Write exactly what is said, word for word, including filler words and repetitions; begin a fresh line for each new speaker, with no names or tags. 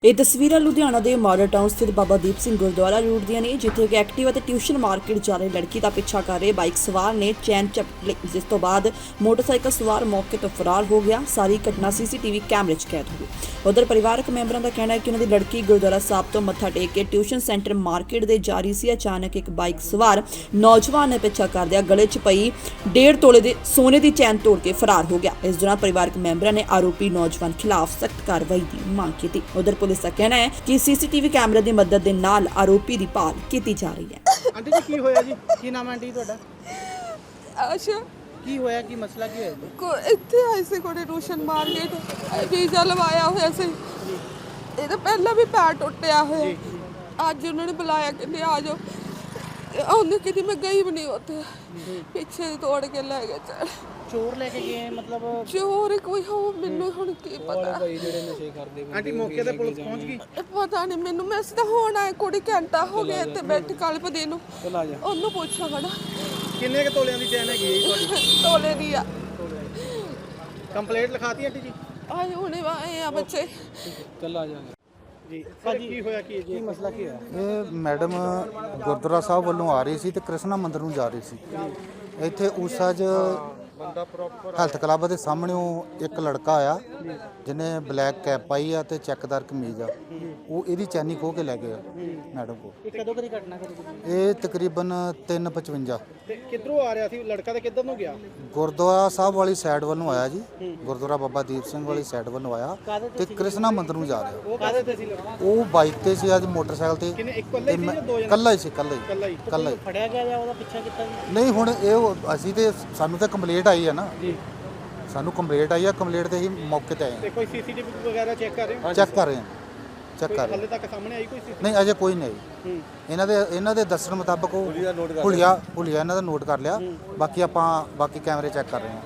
ਇਹ ਤਸਵੀਰਾਂ ਲੁਧਿਆਣਾ ਦੇ ਮਾਡਲ ਟਾਊਨ ਸਥਿਤ ਬਾਬਾ ਦੀਪ ਸਿੰਘ ਗੁਰਦੁਆਰਾ ਰੋਡ ਦੀਆਂ ਨੇ, ਜਿੱਥੇ ਇੱਕ ਐਕਟਿਵਾ ਤੇ ਟਿਊਸ਼ਨ ਮਾਰਕੀਟ ਜਾ ਰਹੀ ਲੜਕੀ ਦਾ ਪਿੱਛਾ ਕਰ ਰਹੇ ਬਾਈਕ ਸਵਾਰ ਨੇ ਚੈਨ ਝਪਟ ਲਈ, ਜਿਸ ਤੋਂ ਬਾਅਦ ਮੋਟਰਸਾਈਕਲ ਸਵਾਰ ਮੌਕੇ ਤੋਂ ਫਰਾਰ ਹੋ ਗਿਆ। ਸਾਰੀ ਘਟਨਾ ਸੀਸੀਟੀਵੀ ਕੈਮਰੇ 'ਚ ਕੈਦ ਹੋ ਗਈ। ਉਧਰ ਪਰਿਵਾਰਕ ਮੈਂਬਰਾਂ ਦਾ ਕਹਿਣਾ ਹੈ ਕਿ ਉਹਨਾਂ ਦੀ ਲੜਕੀ ਗੁਰਦੁਆਰਾ ਸਾਹਿਬ ਤੋਂ ਮੱਥਾ ਟੇਕ ਕੇ ਟਿਊਸ਼ਨ ਸੈਂਟਰ ਮਾਰਕੀਟ ਦੇ ਜਾ ਰਹੀ ਸੀ। ਅਚਾਨਕ ਇੱਕ ਬਾਈਕ ਸਵਾਰ ਨੌਜਵਾਨ ਨੇ ਪਿੱਛਾ ਕਰਦਿਆਂ ਗਲੇ 'ਚ ਪਈ ਡੇਢ ਤੋਲੇ ਦੇ ਸੋਨੇ ਦੀ ਚੈਨ ਤੋੜ ਕੇ ਫਰਾਰ ਹੋ ਗਿਆ। ਇਸ ਦੌਰਾਨ ਪਰਿਵਾਰਕ ਮੈਂਬਰਾਂ ਨੇ ਆਰੋਪੀ ਨੌਜਵਾਨ ਖਿਲਾਫ ਸਖਤ ਕਾਰਵਾਈ ਦੀ ਮੰਗ ਕੀਤੀ। ਉਧਰ ਪੁਲਿਸ ਦਾ ਕਹਿਣਾ ਹੈ ਕਿ ਸੀਸੀਟੀਵੀ ਕੈਮਰੇ ਦੀ ਮਦਦ ਦੇ ਨਾਲ ਆਰੋਪੀ ਦੀ ਭਾਲ ਕੀਤੀ ਜਾ ਰਹੀ ਹੈ।
ਆਂਟੀ ਜੀ ਕੀ ਹੋਇਆ ਜੀ? ਕੀ ਨਾਮ ਹੈ ਆਂਟੀ ਤੁਹਾਡਾ?
ਅੱਛਾ,
ਕੀ ਹੋਇਆ? ਕੀ ਮਸਲਾ ਕੀ ਹੋਇਆ ਜੀ?
ਕੋ ਇੱਥੇ ਆਏ ਸੀ ਕੋਲੇ ਟਿਊਸ਼ਨ ਮਾਰਕੀਟ, ਵੀਜ਼ਾ ਲਵਾਇਆ ਹੋਇਆ ਸੀ। ਇਹਦਾ ਪਹਿਲਾਂ ਵੀ ਪੈਰ ਟੁੱਟਿਆ ਹੋਇਆ। ਅੱਜ ਉਹਨਾਂ ਨੇ ਬੁਲਾਇਆ ਕਿ ਆ ਜਾਓ। ਉਹਨੇ ਕਿਤੇ ਮੈਂ ਗਈ ਵੀ ਨਹੀਂ ਉੱਥੇ, ਪਿੱਛੇ ਤੋੜ ਕੇ ਲੈ ਗਏ। ਚੱਲ
ਚੋਰ ਲੈ ਕੇ ਗਏ ਮਤਲਬ?
ਚੋਰ ਕੋਈ ਹੋ ਮੈਨੂੰ ਹੁਣ ਕੀ ਪਤਾ।
ਆਂਟੀ ਮੌਕੇ ਤੇ ਪੁਲਿਸ ਪਹੁੰਚ ਗਈ?
ਪਤਾ ਨਹੀਂ ਮੈਨੂੰ, ਮੈਂ ਤਾਂ ਹੁਣ ਆਏ ਕੁੜੀ ਘੰਟਾ ਹੋ ਗਿਆ ਇੱਥੇ ਬੈਠ ਕਲਪਦੀ ਨੂੰ। ਉਹਨੂੰ ਪੁੱਛਾਂ ਖੜਾ
ਕਿੰਨੇ ਕ ਤੋਲਿਆਂ ਦੀ ਚੈਨ ਹੈਗੀ ਹੈ ਜੀ ਤੁਹਾਡੀ?
ਤੋਲੇ ਦੀ ਆ।
ਕੰਪਲੇਂਟ ਲਿਖਾਤੀ ਆਂਟੀ ਜੀ?
ਆਏ ਹੁਣੇ ਆਏ ਆ ਬੱਚੇ।
ਚੱਲ ਆ ਜਾਗੇ ਜੀ। ਭਾਜੀ ਕੀ ਹੋਇਆ? ਕੀ ਕੀ ਮਸਲਾ ਕੀ ਹੋਇਆ?
ਇਹ ਮੈਡਮ ਗੁਰਦੁਆਰਾ ਸਾਹਿਬ ਵੱਲੋਂ ਆ ਰਹੀ ਸੀ ਤੇ ਕ੍ਰਿਸ਼ਨਾ ਮੰਦਿਰ ਨੂੰ ਜਾ ਰਹੀ ਸੀ। ਇੱਥੇ ਊਸਾ 'ਚ ਹੈਲਥ ਕਲੱਬ ਦੇ ਸਾਹਮਣੇੋਂ ਇੱਕ ਲੜਕਾ ਆਇਆ ਜਿਹਨੇ ਬਲੈਕ ਕੈਪ ਪਾਈ ਆ ਤੇ ਚੈੱਕਦਾਰ ਕਮੀਜ਼ ਆ। ਉਹ ਇਹਦੀ ਚੈਨੀ ਖੋਹ ਕੇ ਲੈ ਗਿਆ ਮੈਡਮ ਕੋਲ।
ਇਹ ਕਦੋਂ ਕਦੀ ਘਟਨਾ ਕਰੀ?
ਇਹ ਤਕਰੀਬਨ ਤਿੰਨ ਪਚਵੰਜਾ।
ਤੇ ਕਿੱਧਰੋਂ ਆ ਰਿਹਾ ਸੀ ਲੜਕਾ? ਤੇ ਕਿੱਧਰ ਨੂੰ ਗਿਆ?
ਗੁਰਦੁਆਰਾ ਸਾਹਿਬ ਵਾਲੀ ਸਾਈਡ ਵੱਲੋਂ ਆਇਆ ਜੀ। ਗੁਰਦੁਆਰਾ ਬਾਬਾ ਦੀਪ ਸਿੰਘ ਵਾਲੀ ਸਾਈਡ ਵੱਲੋਂ ਆਇਆ ਤੇ ਕ੍ਰਿਸ਼ਨਾ ਮੰਦਿਰ ਨੂੰ ਜਾ ਰਿਹਾ।
ਉਹ ਕਾਹਦੇ ਤੇ ਸੀ ਲੜਕਾ?
ਉਹ ਬਾਈਕ ਤੇ ਸੀ, ਅੱਜ ਮੋਟਰਸਾਈਕਲ ਤੇ।
ਕਿੰਨੇ ਇੱਕ ਇਕੱਲੇ ਸੀ ਜਾਂ ਦੋ ਜਣੇ?
ਇਕੱਲਾ ਹੀ ਸੀ, ਇਕੱਲਾ ਹੀ
ਇਕੱਲਾ ਹੀ
ਇਕੱਲਾ ਹੀ।
ਫੜਿਆ ਗਿਆ ਜਾਂ ਉਹਦਾ ਪਿੱਛਾ ਕੀਤਾ ਜੀ?
ਨਹੀਂ, ਹੁਣ ਇਹ ਅਸੀਂ ਤੇ ਸਾਨੂੰ ਤਾਂ ਕੰਪਲੇਂਟ ਆਈ ਹੈ ਨਾ
ਜੀ।
ਸਾਨੂੰ ਕੰਪਲੇਂਟ ਆਈ ਆ, ਕੰਪਲੇਂਟ ਤੇ ਹੀ ਮੌਕੇ ਤੇ ਆਏ
ਤੇ ਕੋਈ ਸੀਸੀਟੀਵੀ ਵਗੈਰਾ ਚੈੱਕ ਕਰ ਰਹੇ ਹੋ?
ਹਾਂ, ਚੈੱਕ ਕਰ ਰਹੇ ਹਾਂ ਚੈੱਕ ਕਰ ਰਹੇ
ਹਾਲੇ ਤੱਕ ਸਾਹਮਣੇ ਆਈ ਕੋਈ ਸੀਸੀਟੀਵੀ?
ਨਹੀਂ, ਅਜੇ ਕੋਈ ਨਹੀਂ ਆਈ। ਇਹਨਾਂ ਦੇ ਇਹਨਾਂ ਦੇ ਦੱਸਣ ਮੁਤਾਬਕ ਉਹ ਹੁਲੀਆ ਹੁਲੀਆ ਇਹਨਾਂ ਦਾ ਨੋਟ ਕਰ ਲਿਆ। ਬਾਕੀ ਆਪਾਂ ਬਾਕੀ ਕੈਮਰੇ ਚੈੱਕ ਕਰ ਰਹੇ ਹਾਂ।